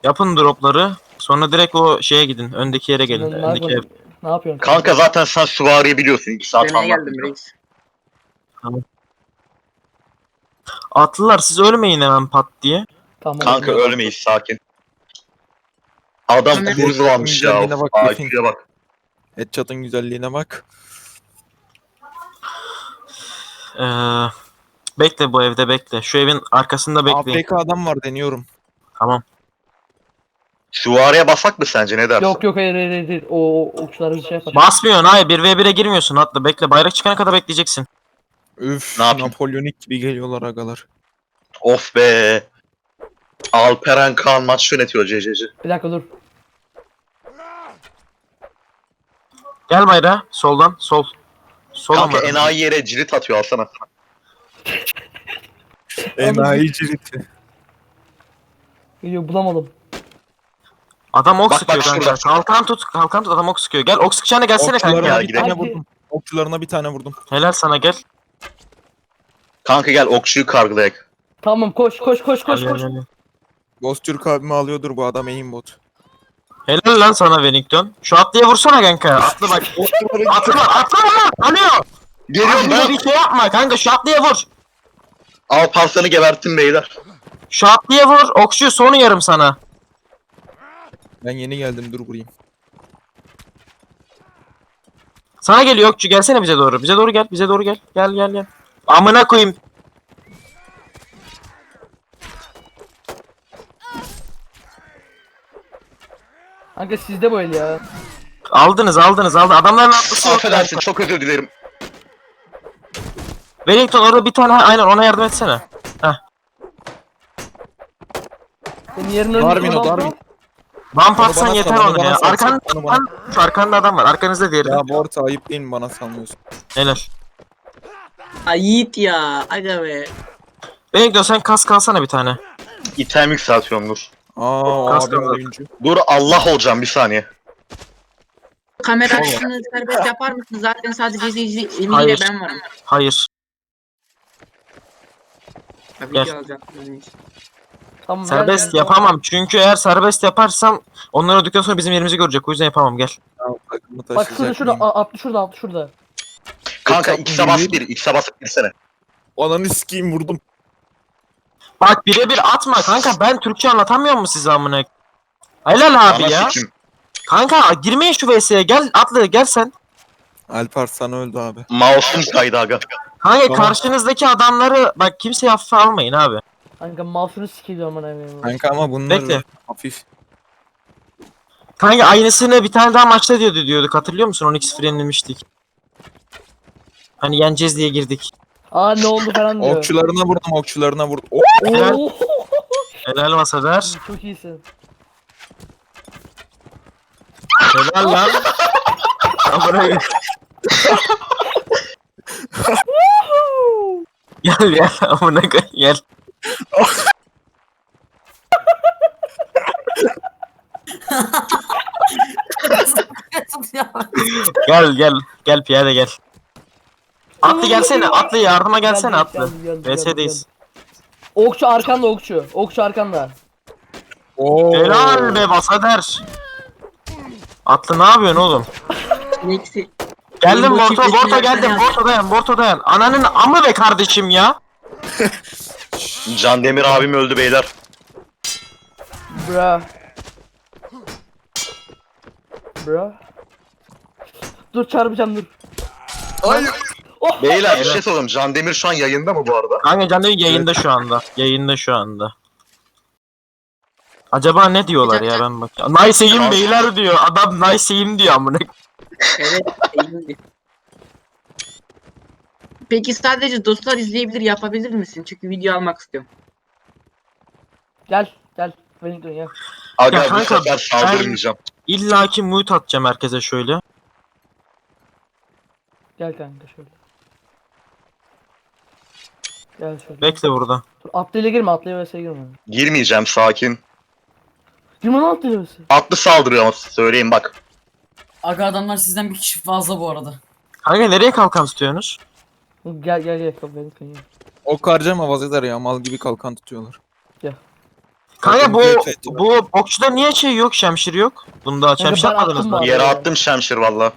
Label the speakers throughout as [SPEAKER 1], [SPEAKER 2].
[SPEAKER 1] Yapın dropları. Sonra direkt o şeye gidin. Öndeki yere gelin.
[SPEAKER 2] Ne
[SPEAKER 1] Öndeki ev.
[SPEAKER 2] yapıyorsun? Ne yapıyorsun?
[SPEAKER 3] Kanka zaten sen süvariyi biliyorsun. 2 saat
[SPEAKER 4] Demeye geldim
[SPEAKER 3] anlattım.
[SPEAKER 4] reis.
[SPEAKER 1] Atlılar siz ölmeyin hemen pat diye.
[SPEAKER 2] Tamam.
[SPEAKER 3] Kanka
[SPEAKER 2] oldu.
[SPEAKER 3] ölmeyiz, sakin. Adam
[SPEAKER 4] Hemen-
[SPEAKER 3] kurzulanmış ya.
[SPEAKER 5] Güzelliğine bak,
[SPEAKER 3] IQ'ya bak.
[SPEAKER 5] Headshot'ın güzelliğine bak.
[SPEAKER 1] Ee, bekle bu evde bekle. Şu evin arkasında bekleyin.
[SPEAKER 5] AFK adam var deniyorum.
[SPEAKER 1] Tamam.
[SPEAKER 3] Süvariye basak mı sence, ne dersin?
[SPEAKER 2] Yok hayır. O okçular bir şey yapar.
[SPEAKER 1] Basmıyorsun hayır 1v1'e girmiyorsun atla bekle. Bayrak çıkana kadar bekleyeceksin.
[SPEAKER 5] Üf,
[SPEAKER 3] Ne yapayım?
[SPEAKER 5] Napolyonik gibi geliyorlar agalar.
[SPEAKER 3] Of be. Alperen Kaan maç yönetiyor CC'ci.
[SPEAKER 2] Bir dakika dur.
[SPEAKER 1] Gel bayrağa soldan sol. Sol
[SPEAKER 3] Kanka
[SPEAKER 1] ama.
[SPEAKER 3] enayi yere cirit atıyor, alsana.
[SPEAKER 5] Enayi ciriti.
[SPEAKER 2] Yok bulamadım.
[SPEAKER 1] Adam ok
[SPEAKER 3] Bak,
[SPEAKER 1] sıkıyor
[SPEAKER 3] bak
[SPEAKER 1] kanka.
[SPEAKER 3] şurada.
[SPEAKER 1] Kalkan tut adam ok sıkıyor. Gel ok sıkacağına gelsene kanka.
[SPEAKER 5] Okçularına
[SPEAKER 3] Gel,
[SPEAKER 5] bir
[SPEAKER 3] gidelim.
[SPEAKER 5] tane
[SPEAKER 2] Hadi.
[SPEAKER 5] vurdum. Okçularına bir tane vurdum.
[SPEAKER 1] Helal sana gel.
[SPEAKER 3] Kanka gel okçuyu kargılayak.
[SPEAKER 2] Tamam koş.
[SPEAKER 1] Gel.
[SPEAKER 5] Ghost Türk abimi alıyordur bu adam aimbot.
[SPEAKER 1] Helal lan sana Wellington. Şu atlıya vursana kanka. Atlı bak. atlı lan. Alıyor.
[SPEAKER 3] Geliyorum
[SPEAKER 1] Abi
[SPEAKER 3] ben.
[SPEAKER 1] bir şey yapma kanka şu atlıya vur.
[SPEAKER 3] Alparslan'ı geberttim beyler.
[SPEAKER 1] Şu atlıya vur. Okçu sonu yarım sana.
[SPEAKER 5] Ben yeni geldim, dur vurayım.
[SPEAKER 1] Sana geliyor okçu gelsene bize doğru. Bize doğru gel. Bize doğru gel. Gel. Amına koyayım.
[SPEAKER 2] Kanka sizde bu el ya.
[SPEAKER 1] Aldınız. Adamların atlısı yok.
[SPEAKER 3] Affedersin, çok özür dilerim.
[SPEAKER 1] Wellington orada bir tane aynen ona yardım etsene.
[SPEAKER 2] Senin yerin
[SPEAKER 5] Darwin o,
[SPEAKER 2] önünde.
[SPEAKER 5] Darwin.
[SPEAKER 1] Bump
[SPEAKER 5] Onu
[SPEAKER 1] atsan
[SPEAKER 5] bana
[SPEAKER 1] yeter
[SPEAKER 5] sal, onu
[SPEAKER 1] ona
[SPEAKER 5] bana
[SPEAKER 1] ya.
[SPEAKER 5] sal,
[SPEAKER 1] Arkanda,
[SPEAKER 5] onu bana-
[SPEAKER 1] şu arkanda adam var. Arkanızda diğeri de.
[SPEAKER 5] Ya bu orta ayıp değil mi, bana sanmıyorsun?
[SPEAKER 1] Helal.
[SPEAKER 4] Ay Yiğit ya. Aga be.
[SPEAKER 1] Wellington sen kas kalsana bir tane.
[SPEAKER 3] İtem yükseltiyorum, dur.
[SPEAKER 5] Aa,
[SPEAKER 1] Kas
[SPEAKER 5] abim
[SPEAKER 1] kaldı.
[SPEAKER 5] oyuncu.
[SPEAKER 3] Dur, Allah olacağım, bir saniye.
[SPEAKER 4] Kamera açısını serbest yapar mısın? Zaten sadece izleyici Emi
[SPEAKER 1] Hayır.
[SPEAKER 4] ile ben varım.
[SPEAKER 1] Hayır.
[SPEAKER 4] Tabii
[SPEAKER 1] Gel.
[SPEAKER 4] ki alacaktım reis.
[SPEAKER 2] Tamam,
[SPEAKER 1] Serbest
[SPEAKER 2] gel.
[SPEAKER 1] yapamam. Çünkü eğer serbest yaparsam onlar öldükten sonra bizim yerimizi görecek. O yüzden yapamam. Gel.
[SPEAKER 5] Ya, takımı
[SPEAKER 2] Bak şurada
[SPEAKER 5] taşıyacak
[SPEAKER 2] şurada
[SPEAKER 5] mıyım?
[SPEAKER 2] atlı şurada.
[SPEAKER 3] Kanka
[SPEAKER 5] Çok
[SPEAKER 3] X'e bas
[SPEAKER 5] iyi.
[SPEAKER 3] bir, X'e bas girsene.
[SPEAKER 5] Ananı sikeyim, vurdum.
[SPEAKER 1] Bak birebir atma kanka. Ben Türkçe anlatamıyor mu size amına? Helal abi
[SPEAKER 3] Ana
[SPEAKER 1] ya.
[SPEAKER 3] sikim.
[SPEAKER 1] Kanka girmeyin şu VS'ye. Gel atlı gel sen.
[SPEAKER 5] Alparslan öldü abi.
[SPEAKER 3] Mouse'um kaydı aga.
[SPEAKER 1] Kanka
[SPEAKER 5] Tamam.
[SPEAKER 1] karşınızdaki adamları bak kimseye hafife almayın abi.
[SPEAKER 2] Kanka mouse'unu sikiliyor aman evim.
[SPEAKER 5] Kanka ama bunlar
[SPEAKER 1] Bekle.
[SPEAKER 5] hafif.
[SPEAKER 1] Kanka aynısını bir tane daha maçta diyorduk. Hatırlıyor musun? 12 frenlemiştik. Hani yeneceğiz diye girdik.
[SPEAKER 2] Aa ne oldu falan diyor.
[SPEAKER 5] Okçularına vurdum, okçularına vurdum. Oh!
[SPEAKER 1] Helal.
[SPEAKER 2] Oo.
[SPEAKER 1] Helal Masader.
[SPEAKER 2] Çok iyisin.
[SPEAKER 1] Helal lan. Amına gel amına koy gel. Gel piyade gel. Atlı gelsene atlı yardıma gelsene
[SPEAKER 2] Geldi,
[SPEAKER 1] atlı.
[SPEAKER 2] geldi, geldi,
[SPEAKER 1] VS'deyiz.
[SPEAKER 2] geldi. Okçu arkanda okçu. Okçu arkanda.
[SPEAKER 5] Oo.
[SPEAKER 1] Helal be Masader. Atlı ne yapıyorsun oğlum?
[SPEAKER 4] Neyse.
[SPEAKER 1] Geldim
[SPEAKER 4] Benim bu
[SPEAKER 1] Borto
[SPEAKER 4] çiftleşmeyi
[SPEAKER 1] geldim
[SPEAKER 4] yapsana.
[SPEAKER 1] Borto dayan. Ananın amı be kardeşim ya.
[SPEAKER 3] Can Demir abim öldü beyler.
[SPEAKER 2] Bra. Bra. Dur çarpacağım dur.
[SPEAKER 5] Hayır.
[SPEAKER 3] Beyler bir şey sorayım. Can Demir şu an yayında mı bu arada?
[SPEAKER 1] Kanka Can Demir yayında şu anda. Acaba ne diyorlar ya ben bak. Nice'yim beyler diyor. Adam nice'yim diyor amına.
[SPEAKER 4] Evet. elimde. Peki sadece dostlar izleyebilir yapabilir misin? Çünkü video almak istiyorum.
[SPEAKER 2] Gel. Beni dön ya.
[SPEAKER 3] Aga
[SPEAKER 1] Ya
[SPEAKER 3] bu
[SPEAKER 1] kanka,
[SPEAKER 3] sefer saldırmayacağım.
[SPEAKER 1] İlla ki mute atacağım herkese şöyle.
[SPEAKER 2] Gel kanka şöyle. Gel şöyle.
[SPEAKER 1] Bekle burada.
[SPEAKER 2] Dur atlıyla girme atlıyla vs girme.
[SPEAKER 3] Girmeyeceğim, sakin.
[SPEAKER 2] Girme lan atlıyla vs.
[SPEAKER 3] Atlı saldırıyor ama söyleyeyim bak.
[SPEAKER 6] Aga adamlar sizden bir kişi fazla bu arada.
[SPEAKER 1] Kanka nereye kalkan tutuyorsunuz?
[SPEAKER 2] Gel beni dön ya.
[SPEAKER 5] Ok harcama vazgeçer ya, mal gibi kalkan tutuyorlar.
[SPEAKER 1] Kanka
[SPEAKER 5] Evet, evet.
[SPEAKER 1] bu okçuda niye şey yok, şemşir yok? Bunda şemşir
[SPEAKER 2] ben
[SPEAKER 1] yapmadınız
[SPEAKER 2] attım
[SPEAKER 1] mı?
[SPEAKER 2] bu
[SPEAKER 3] Yere attım şemşir valla.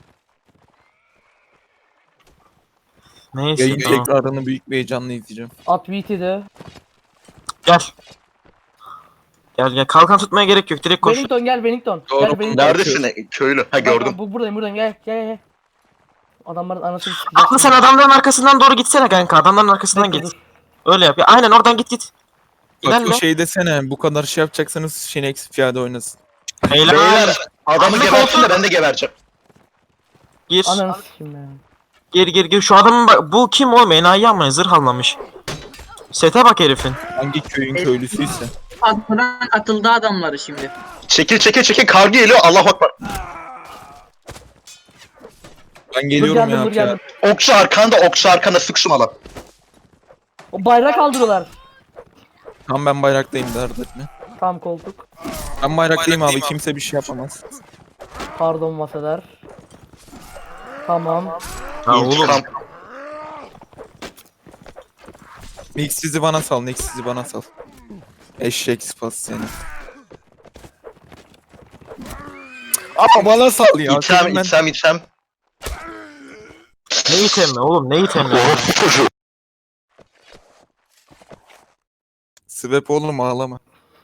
[SPEAKER 1] Neyse
[SPEAKER 5] Yayın
[SPEAKER 1] tamam.
[SPEAKER 5] tekrarını büyük bir heyecanla izleyeceğim.
[SPEAKER 2] At VT'de.
[SPEAKER 1] Gel. Gel. Kalkan tutmaya gerek yok. Direkt koş.
[SPEAKER 2] Wellington gel Wellington.
[SPEAKER 5] Doğru.
[SPEAKER 2] Gel Wellington.
[SPEAKER 3] Neredesin köylü? Ha gördüm.
[SPEAKER 2] Buradayım gel. Adamların anasını sikeceğiz.
[SPEAKER 1] Aklı sen adamların arkasından doğru gitsene kanka. Adamların arkasından
[SPEAKER 2] Bekle,
[SPEAKER 1] git.
[SPEAKER 2] dur.
[SPEAKER 1] Öyle yap. Ya, aynen oradan git.
[SPEAKER 5] Bak
[SPEAKER 1] İlerle.
[SPEAKER 5] şey desene bu kadar şey yapacaksanız Şinex piyade oynasın.
[SPEAKER 1] Beyler.
[SPEAKER 3] Beyler adamı
[SPEAKER 1] Aklı
[SPEAKER 3] gebertin de
[SPEAKER 1] koltuğu-
[SPEAKER 3] ben de gebereceğim.
[SPEAKER 1] Gir.
[SPEAKER 2] Ananı sikeyim ya.
[SPEAKER 1] Gir. Şu adamın bak. Bu kim oğlum? Enayi ama zırh almamış. Sete bak herifin.
[SPEAKER 5] Hangi köyün köylüsüyse.
[SPEAKER 4] Patron katıldı adamları şimdi.
[SPEAKER 3] Çekil kargı geliyor Allahu Ekber.
[SPEAKER 5] Ben geliyorum ya
[SPEAKER 2] Dur
[SPEAKER 5] piyade.
[SPEAKER 2] geldim.
[SPEAKER 3] Okçu arkanda sık şu mala.
[SPEAKER 2] O bayrak kaldırıyorlar.
[SPEAKER 5] Tamam ben bayraktayım dert etme.
[SPEAKER 2] Tam koltuk.
[SPEAKER 5] Ben bayraktayım abi kimse bir şey yapamaz.
[SPEAKER 2] Pardon masalar. Tamam.
[SPEAKER 1] Ha oğlum.
[SPEAKER 3] İntikam.
[SPEAKER 5] Nix sizi bana sal, Nix sizi bana sal. Eşek spas seni. Ama bana sal ya. senin ben-
[SPEAKER 3] İtem.
[SPEAKER 1] Ne itemli oğlum? Ne itemli?
[SPEAKER 3] Orospu çocuğu.
[SPEAKER 5] Sebep oğlum ağlama.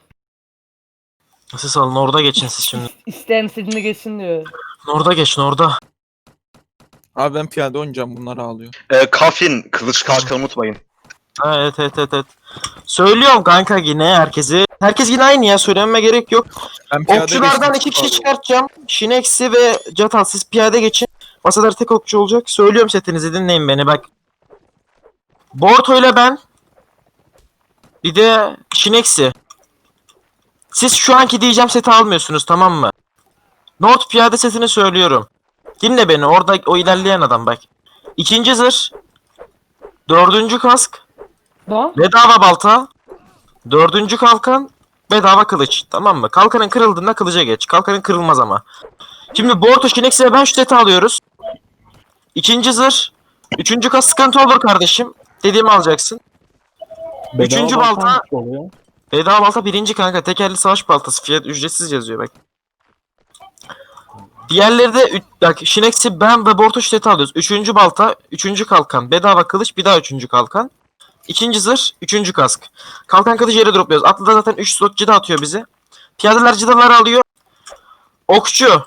[SPEAKER 1] Siz alın orada geçin siz şimdi.
[SPEAKER 2] İsteyen istediğine geçsin diyor.
[SPEAKER 1] Orada geçin orada.
[SPEAKER 5] Abi ben piyade oynayacağım bunlar ağlıyor.
[SPEAKER 3] Kafin kılıç kalkanı unutmayın.
[SPEAKER 1] Ha, evet. Söylüyorum kanka yine herkese. Herkes yine aynı ya, söylenme gerek yok.
[SPEAKER 5] Ben piyade
[SPEAKER 1] Okçulardan
[SPEAKER 5] geçtim.
[SPEAKER 1] 2 kişi çıkartacağım. Şineksi ve Catal siz piyade geçin. Masalar tek okçu olacak. Söylüyorum setinizi, dinleyin beni bak. Borto ile ben. Bir de Şineksi. Siz şu anki diyeceğim seti almıyorsunuz, tamam mı? North piyade setini söylüyorum. Dinle beni, orada o ilerleyen adam bak. 2. zırh. 4. kask.
[SPEAKER 2] Tamam.
[SPEAKER 1] Bedava balta. 4. kalkan. Bedava kılıç. Tamam mı? Kalkanın kırıldığında kılıca geç. Kalkanın kırılmaz ama. Şimdi Borto, Şinex ve ben şu seti alıyoruz. 2. zırh. 3. kas sıkıntı olur kardeşim. Dediğimi alacaksın. 3. balta. Bedava balta 1. kanka. Tekerli savaş baltası. Fiyat ücretsiz yazıyor bak. Diğerleri de bak Şinex'i ben ve Borto şu seti alıyoruz. 3. balta. 3. kalkan. Bedava kılıç. Bir daha 3. kalkan. 2. zırh, 3. kask. Kalkan kılıcı yere dropluyoruz. Atlı da zaten 3 slot cida atıyor bize. Piyadeler cidaları alıyor. Okçu.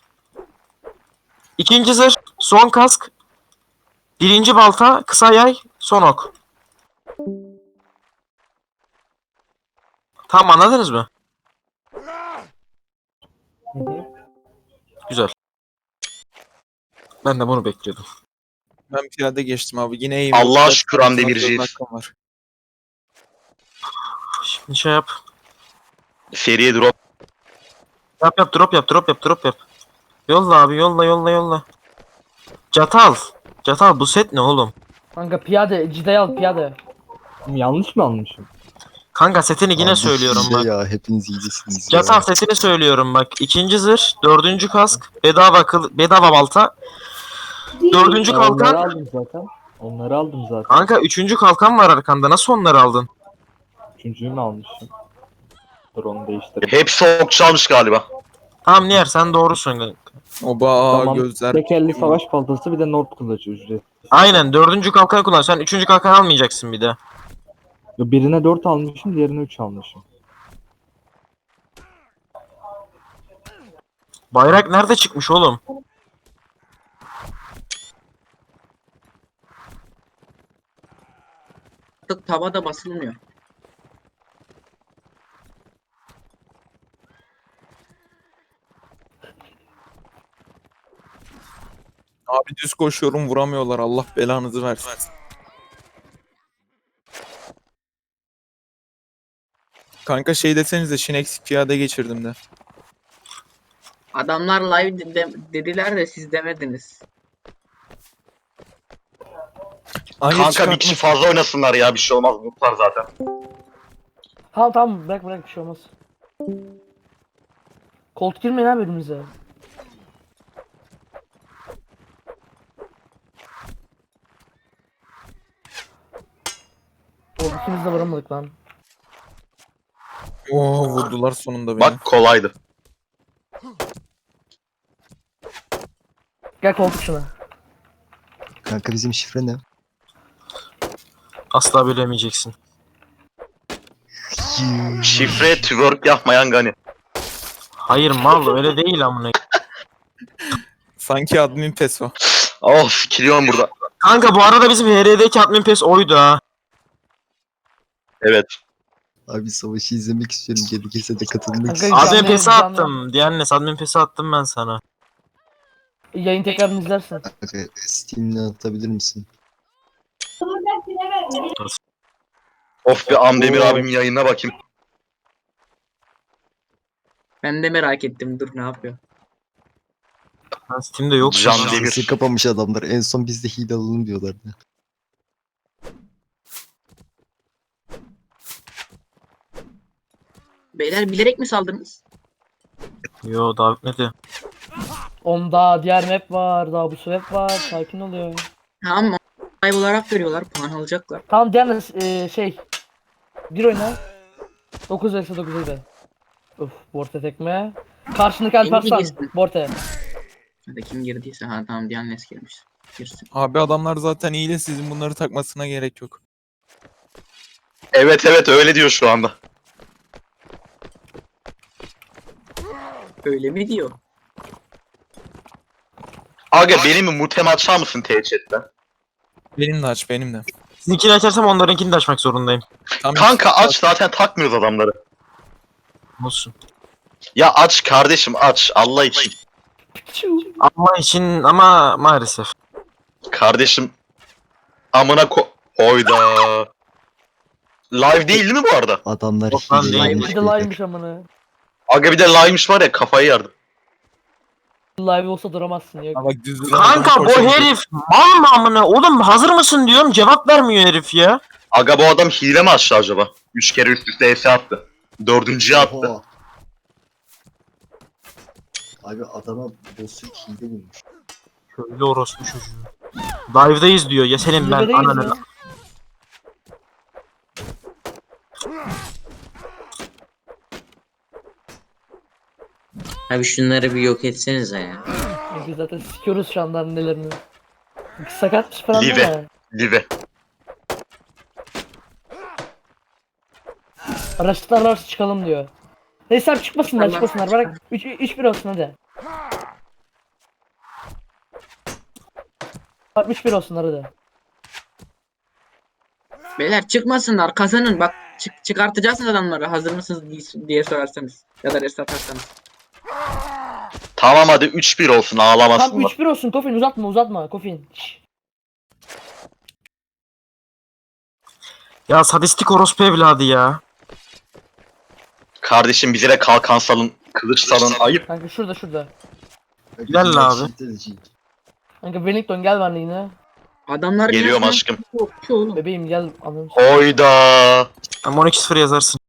[SPEAKER 1] 2. zırh, son kask. 1. balta, kısa yay, son ok. Tamam, anladınız mı? Güzel. Ben de bunu bekliyordum.
[SPEAKER 5] Ben piyade geçtim abi. Yine iyiyim.
[SPEAKER 3] Allah'a şükür Hamdi Demirci'yiz.
[SPEAKER 5] Var.
[SPEAKER 1] Şimdi şey yap.
[SPEAKER 3] Feriye drop.
[SPEAKER 1] Yap, drop yap. Yolla abi, yolla. Catal bu set ne oğlum?
[SPEAKER 2] Kanka piyade. Cidayı al piyade.
[SPEAKER 7] Yanlış mı almışım?
[SPEAKER 1] Kanka setini yine
[SPEAKER 8] Abi
[SPEAKER 1] söylüyorum
[SPEAKER 8] hile
[SPEAKER 1] bak.
[SPEAKER 8] ya, hepiniz iyicesiniz ya.
[SPEAKER 1] Catal setini söylüyorum bak. 2. zırh, 4. kask, bedava balta. 4.
[SPEAKER 7] Onları
[SPEAKER 1] kalkan.
[SPEAKER 7] aldım zaten. Onları aldım zaten.
[SPEAKER 1] Kanka 3. kalkan var arkanda. Nasıl onları aldın?
[SPEAKER 7] Üçüncüyü mü almışım? Dur onu değiştireyim.
[SPEAKER 3] Hepsi okçu almış galiba.
[SPEAKER 1] Tamam Niyer, sen doğrusun kanka.
[SPEAKER 5] Oba
[SPEAKER 7] Tamam.
[SPEAKER 5] gözler.
[SPEAKER 7] Tekerli savaş baltası bir de Nord kılıcı ücret.
[SPEAKER 1] Aynen 4. kalkanı kullan. Sen 3. kalkan almayacaksın bir de.
[SPEAKER 7] Birine 4 almışım, diğerine 3 almışım.
[SPEAKER 1] Bayrak nerede çıkmış oğlum?
[SPEAKER 4] Artık tavada basılmıyor.
[SPEAKER 5] Abi düz koşuyorum vuramıyorlar. Allah belanızı versin. Kanka şey desenize Şinex piyade geçirdim de.
[SPEAKER 4] Adamlar live dediler de siz demediniz.
[SPEAKER 5] Hayır,
[SPEAKER 3] Kanka bir kişi fazla oynasınlar ya, bir şey olmaz. Mutlar zaten.
[SPEAKER 2] Tamam bırak bir şey olmaz. Koltuk girmeyin abi önümüze. Oğlum ikimiz de varamadık lan.
[SPEAKER 5] Oo vurdular sonunda beni.
[SPEAKER 3] Bak kolaydı.
[SPEAKER 2] Gel koltuk şuna.
[SPEAKER 8] Kanka bizim şifre ne?
[SPEAKER 1] Asla bilemeyeceksin.
[SPEAKER 3] Şifre twerk yapmayan Gani.
[SPEAKER 1] Hayır mal öyle değil amına.
[SPEAKER 5] Sanki admin peso.
[SPEAKER 3] Of kiliyorum burada.
[SPEAKER 1] Kanka bu arada bizim HR'deki admin pes oydu ha.
[SPEAKER 3] Evet.
[SPEAKER 8] Abi savaşı izlemek istiyorum. Gerekirse de katılmak
[SPEAKER 2] Kanka,
[SPEAKER 8] istiyorum.
[SPEAKER 1] Admin
[SPEAKER 2] Canlı-
[SPEAKER 1] pesi
[SPEAKER 2] canlı-
[SPEAKER 1] attım. Diyannes admin pesi attım ben sana.
[SPEAKER 2] Yayın tekrarını izlersin.
[SPEAKER 8] Kanka Steam'den atabilir misin?
[SPEAKER 3] Of bir Amdemir abimin yayınına bakayım.
[SPEAKER 4] Ben de merak ettim. Dur ne yapıyor?
[SPEAKER 1] Ben Steam'de yok.
[SPEAKER 3] Can
[SPEAKER 1] ya.
[SPEAKER 3] Demir.
[SPEAKER 8] Sesi kapamış adamlar. En son biz de hile alalım diyorlardı.
[SPEAKER 4] Beyler bilerek mi saldınız?
[SPEAKER 1] Yo daha bitmedi.
[SPEAKER 2] Onda diğer map var. Daha bu map var. Sakin oluyor.
[SPEAKER 4] Tamam. Live olarak görüyorlar. Puan alacaklar.
[SPEAKER 2] Tamam diğer şey. Bir oyna. 9 vs 9 öde. Uf, Borte tekme. Karşındaki Alparslan.
[SPEAKER 4] girsin.
[SPEAKER 2] Borte.
[SPEAKER 4] Hadi kim girdiyse. Ha tamam Diyanes girmiş. Girsin.
[SPEAKER 5] Abi adamlar zaten iyi de sizin bunları takmasına gerek yok.
[SPEAKER 3] Evet evet öyle diyor şu anda.
[SPEAKER 4] Öyle mi diyor?
[SPEAKER 3] Aga benim mutem açar mısın T-Chat'ten?
[SPEAKER 5] Benim de aç benim de.
[SPEAKER 1] Sizinkini açarsam onlarınkini de açmak zorundayım.
[SPEAKER 5] Tam
[SPEAKER 3] Kanka aç zaten takmıyoruz adamları.
[SPEAKER 1] Olsun.
[SPEAKER 3] Ya aç kardeşim aç Allah için.
[SPEAKER 1] Ama için ama maalesef.
[SPEAKER 3] Kardeşim amına Oyda. Live değildi mi bu arada?
[SPEAKER 8] Adamlar
[SPEAKER 1] Yok lan değil.
[SPEAKER 8] hileymiş
[SPEAKER 2] Bir de
[SPEAKER 8] beyler.
[SPEAKER 2] live'miş amına.
[SPEAKER 3] Aga bir de live'miş var ya kafayı yardım.
[SPEAKER 2] Live olsa duramazsın ya.
[SPEAKER 5] Ha bak düz duran
[SPEAKER 1] Kanka
[SPEAKER 5] adam
[SPEAKER 1] bu
[SPEAKER 5] koşuyor.
[SPEAKER 1] herif mal mı amına? Oğlum hazır mısın diyorum cevap vermiyor herif ya.
[SPEAKER 3] Aga bu adam hile mi açtı acaba? 3 kere üst üste ES attı. 4.'ye attı.
[SPEAKER 8] Oha. Abi adama boss'u hile bulmuş.
[SPEAKER 1] Şöyle orospu çocuğu. Live'dayız diyor. Ya senin ben
[SPEAKER 2] Zirvedeyiz
[SPEAKER 1] ananı.
[SPEAKER 2] ya.
[SPEAKER 9] Abi şunları bir yok etsenize ya.
[SPEAKER 2] Çünkü zaten sikiyoruz şu anda annelerini. Sakatmış falan değil
[SPEAKER 3] Live.
[SPEAKER 2] mi?
[SPEAKER 3] Live.
[SPEAKER 2] Araçlar arası çıkalım diyor. Neyse abi çıkmasınlar çıkmasınlar. Bırak 3-1 olsun hadi. Bak 3-1 olsunlar hadi.
[SPEAKER 4] Beyler çıkmasınlar. Kazanın. Bak çıkartacaksınız adamları. Hazır mısınız diye sorarsanız. Ya da rest atarsanız.
[SPEAKER 3] Tamam hadi 3-1 olsun
[SPEAKER 2] Tam
[SPEAKER 3] ağlamasınlar.
[SPEAKER 2] 3-1 olsun Kofin uzatma Kofin. Şşş.
[SPEAKER 1] Ya sadistik orospu evladı ya.
[SPEAKER 3] Kardeşim bize de kalkan salın, kılıç salın ayıp.
[SPEAKER 2] Kanka şurada.
[SPEAKER 1] Gel abi.
[SPEAKER 2] Kanka Wellington gel benimle yine.
[SPEAKER 4] Adamlar
[SPEAKER 3] Geliyorum
[SPEAKER 4] gelsin.
[SPEAKER 3] aşkım.
[SPEAKER 4] Yok ki oğlum.
[SPEAKER 2] Bebeğim gel anladın.
[SPEAKER 3] Oyda.
[SPEAKER 1] Ama 12-0 yazarsın.